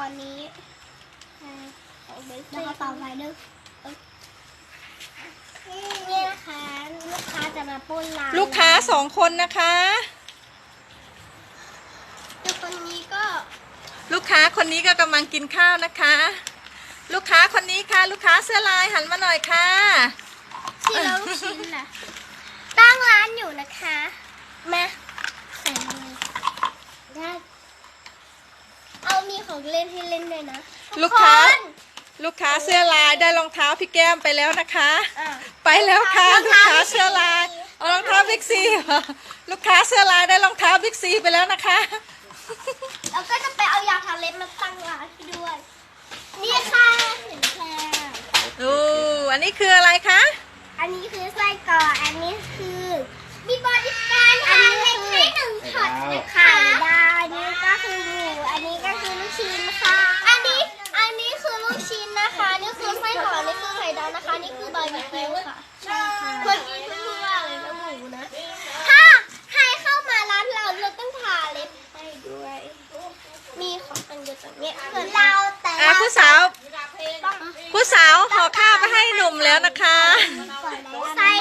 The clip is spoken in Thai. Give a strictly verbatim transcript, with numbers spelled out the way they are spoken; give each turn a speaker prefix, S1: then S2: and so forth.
S1: อนนี้แล้วก็ต่อไปนึกนี่นะคะลูกค้าจะมาปุ้นร้าน
S2: ลูกค้าสองคนนะคะ
S1: แล้วคนนี้ก็
S2: ลูกค้าคนนี้ก็กำลังกินข้าวนะคะ ลูกค้าคนนี้ค่ะลูกค้าเสื้อลายหันมาหน่อยค่ะ
S1: ที่เราลูกชิ้นนะตั้งร้านอยู่นะคะมาใส่เลยได้เอามีของเล่นให้เล่นด้วยนะ
S2: ลูกค้าลูกค้าเสื้อลายได้รองเท้าพี่แก้มไปแล้วนะคะไปแล้วค่ะลูกค้าเสื้อลายเอารองเท้าบิ๊กซีลูกค้าเสื้อลายได้รองเท้าบิ๊กซีไปแล้วนะคะ
S1: แล้วก็จะไปเอายาทาเล็บมาตั้งร้านให้ด้วยนี่ค่ะเห็นแค่
S2: ดูอันนี้คืออะไรคะ
S1: อันนี้คือไส้กรอกอันนี้คือมีบริการทาเล็บให้หนึ่งช็อตนะคะได้อันนี้ก็คือหมูอันนี้ก็คือลูกชิ้นค่ะอันนี้อันนี้คือลูกชิ้นนะคะนี่คือไส้กรอกนี่คือไข่ดาวนะคะนี่คือบาร์บีคิวค่ะใช่ค่ะเมื่อกี้เพิ่งพูดว่าอะไรนะหมูนะถ้าใครเข้ามาร้านเราเราต้องทาเล็บให้ด้วยมีของอันเดียวกันเนี่ยเหมือนเราแต่
S2: อ่ะผู้สาวผู้สาวห่อข้าวไปให้หนุ่มแล้วนะคะ